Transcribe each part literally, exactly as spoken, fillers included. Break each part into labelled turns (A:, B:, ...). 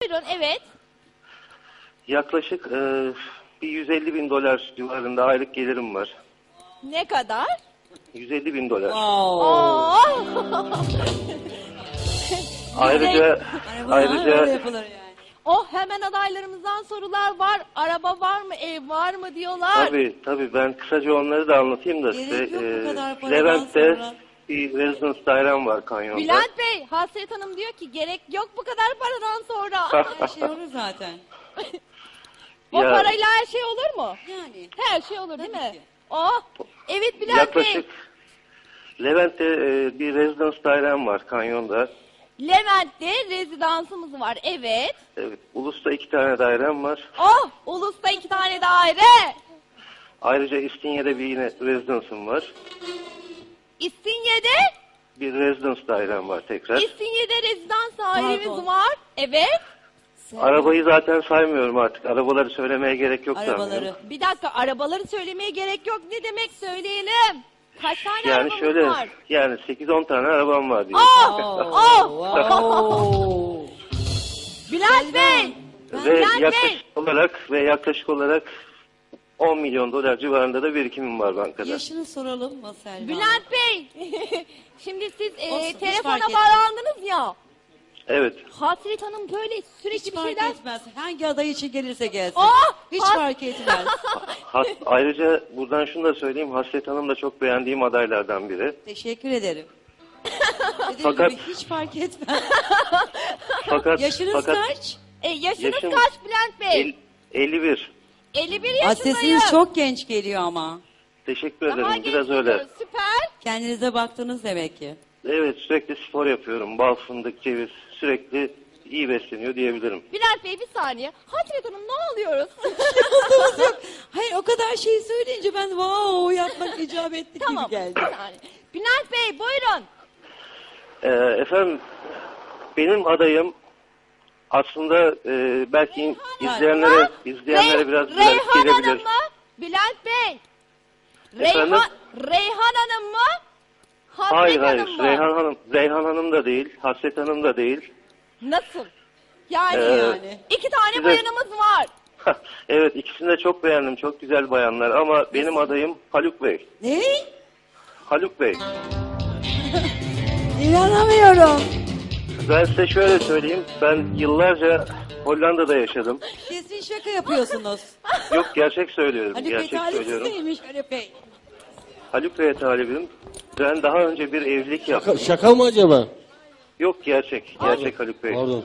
A: Buyurun, evet.
B: Yaklaşık e, bir yüz elli bin dolar civarında aylık gelirim var.
A: Ne kadar?
B: yüz elli bin dolar.
A: Oo.
B: Ayrıca ayrıca
C: yapılır yani.
A: Oh, hemen adaylarımızdan sorular var. Araba var mı, ev var mı diyorlar.
B: tabii tabii ben kısaca onları da anlatayım da
C: Gerek
B: size.
C: yok bu
B: E,
C: kadar paradan
B: Levent'te
C: sonra.
B: bir residence dairem var kanyonda.
A: Bülent Bey, Hasret Hanım diyor ki gerek yok bu kadar paradan sonra.
C: Her şey olur zaten.
A: O
B: Ya-
A: parayla her şey olur mu?
C: Yani.
A: Her şey olur değil
C: Tabii
A: mi?
C: ki.
A: Oh, evet Bülent
B: Yaklaşık
A: Bey.
B: Levent'te e, bir residence dairem var kanyonda.
A: Levent'te rezidansımız var, evet.
B: Evet, Ulus'ta iki tane dairem var.
A: Oh, Ulus'ta iki tane daire.
B: Ayrıca İstinye'de bir yine residence'ım var.
A: İstinye'de,
B: Bir residence dairem var tekrar.
A: İstinye'de rezidans dairemiz
C: Pardon.
A: var. Evet.
B: Arabayı zaten saymıyorum artık. Arabaları söylemeye gerek yok
C: Arabaları.
B: sanmıyorum.
A: Bir dakika, arabaları söylemeye gerek yok. Ne demek söyleyelim? Kaç tane
B: Yani
A: arabamız
B: şöyle,
A: var?
B: yani sekiz on tane arabam var diye.
A: Oh,
C: Oh,
A: oh.
C: wow.
A: Bülent Bey.
B: Ve
A: Bülent Bey.
B: yaklaşık olarak ve yaklaşık olarak on milyon dolar civarında da birikimim var bankada.
C: Yaşını soralım mı Selma?
A: Bülent Bey. Şimdi siz e,
C: Olsun, hiç
A: telefona
C: fark etmez.
A: bağlandınız ya.
B: Evet.
A: Hasret Hanım böyle sürekli
C: Hiç
A: bir
C: fark
A: şeyler...
C: etmez. Hangi aday için gelirse gelsin.
A: Aa,
C: Hiç
A: has-
C: fark etmez.
B: Has, ayrıca buradan şunu da söyleyeyim. Hasret Hanım da çok beğendiğim adaylardan biri.
C: Teşekkür ederim. Dediğim
B: Fakat-
C: gibi hiç fark etmez.
B: Fakat
C: Yaşınız
B: fakat
C: kaç?
A: E, yaşınız
B: Yaşım-
A: kaç Bülent Bey?
B: el- elli bir.
A: elli bir
C: Aa,
A: yaşındayım.
C: sesiniz çok genç geliyor ama.
B: Teşekkür
A: Daha
B: ederim. Biraz
A: genç
B: öyle.
A: oluyoruz, süper.
C: Kendinize baktınız demek ki.
B: Evet, sürekli spor yapıyorum. Bal, fındık, ceviz. Sürekli iyi besleniyor diyebilirim.
A: Bülent Bey bir saniye. Hasret Hanım ne alıyoruz?
C: Hayır o kadar şey söyleyince ben wow yapmak icap etti
A: Tamam
C: gibi geldi.
A: bir saniye. Bülent Bey buyurun.
B: Ee, efendim, benim adayım aslında e, belki izleyenlere izleyenlere
A: Rey-
B: biraz
A: Reyhan
B: garip gelebilir.
A: Hanım mı? Bülent Bey.
B: Efendim?
A: Reyhan, Reyhan Hanım mı? Hasret
B: Hayır hayır,
A: Hanım mı?
B: Reyhan Hanım, Reyhan Hanım da değil, Hasret Hanım da değil.
A: Nasıl? Yani,
B: Ee,
C: yani.
A: iki tane
B: size-
A: bayanımız var.
B: Evet, ikisini de çok beğendim, çok güzel bayanlar ama benim adayım Haluk Bey.
C: Ne?
B: Haluk Bey.
C: İnanamıyorum.
B: Ben size şöyle söyleyeyim, ben yıllarca Hollanda'da yaşadım.
C: Kesin şaka yapıyorsunuz.
B: Yok, gerçek söylüyorum,
C: Hani
B: gerçek
C: betalip
B: söylüyorum.
C: neymiş öyle Bey?
B: Haluk Bey'e talibim. Ben daha önce bir evlilik yaptım.
D: Şaka, şaka mı acaba?
B: Yok, gerçek, gerçek Haluk Bey.
D: Pardon.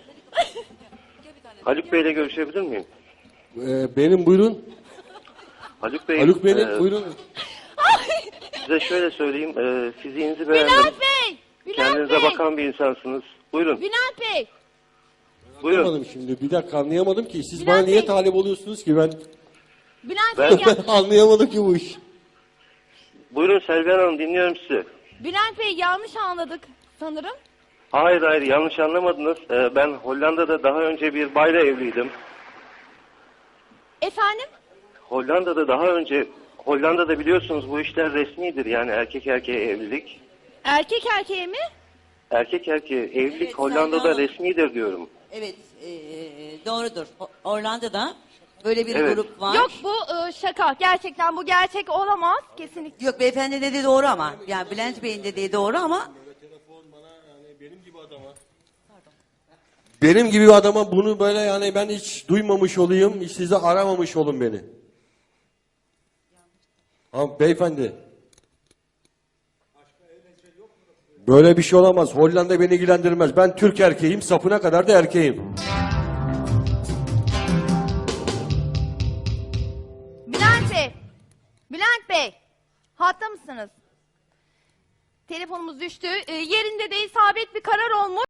B: Haluk Bey'le görüşebilir miyim?
D: Ee, benim buyurun.
B: Haluk Bey,
D: Haluk benim
B: e,
D: buyurun.
B: size şöyle söyleyeyim, e, fiziğinizi beğendim.
A: Bülent Bey. Bülent
B: Kendinize
A: Bey.
B: bakan bir insansınız. Buyurun,
A: Bülent Bey.
B: buyurun.
D: Anlamadım şimdi. Bir dakika anlayamadım ki. Siz
A: Bülent
D: bana niye
A: Bey.
D: talip oluyorsunuz ki? Ben
A: Bülent
B: Ben-
A: Bey. ya-
D: anlayamadım ki bu iş.
B: Buyurun Selvi Hanım, dinliyorum sizi.
A: Bülent Bey yanlış anladık sanırım.
B: Hayır hayır, yanlış anlamadınız. E, ben Hollanda'da daha önce bir bayla evliydim.
A: Efendim?
B: Hollanda'da daha önce, Hollanda'da biliyorsunuz bu işler resmidir. Yani erkek erkeğe evlilik.
A: Erkek erkeğe mi?
B: Erkek erkeğe evlilik
C: Evet,
B: Hollanda'da
C: Selvi Hanım.
B: resmidir diyorum.
C: Evet e, doğrudur. O- Orlando'da böyle bir
B: Evet.
C: grup var.
A: Yok bu e, şaka. Gerçekten bu gerçek olamaz. Kesinlikle.
C: Yok beyefendi dediği doğru ama. Yani Bülent Bey'in dediği doğru ama
D: Benim gibi bir adama bunu böyle yani ben hiç duymamış olayım. Hiç size aramamış olun beni. Ama beyefendi. Böyle bir şey olamaz. Hollanda beni ilgilendirmez. Ben Türk erkeğim. Sapına kadar da erkeğim.
A: Bülent Bey. Bülent Bey. Hatta mısınız? Telefonumuz düştü. E, yerinde de isabet bir karar olmuş.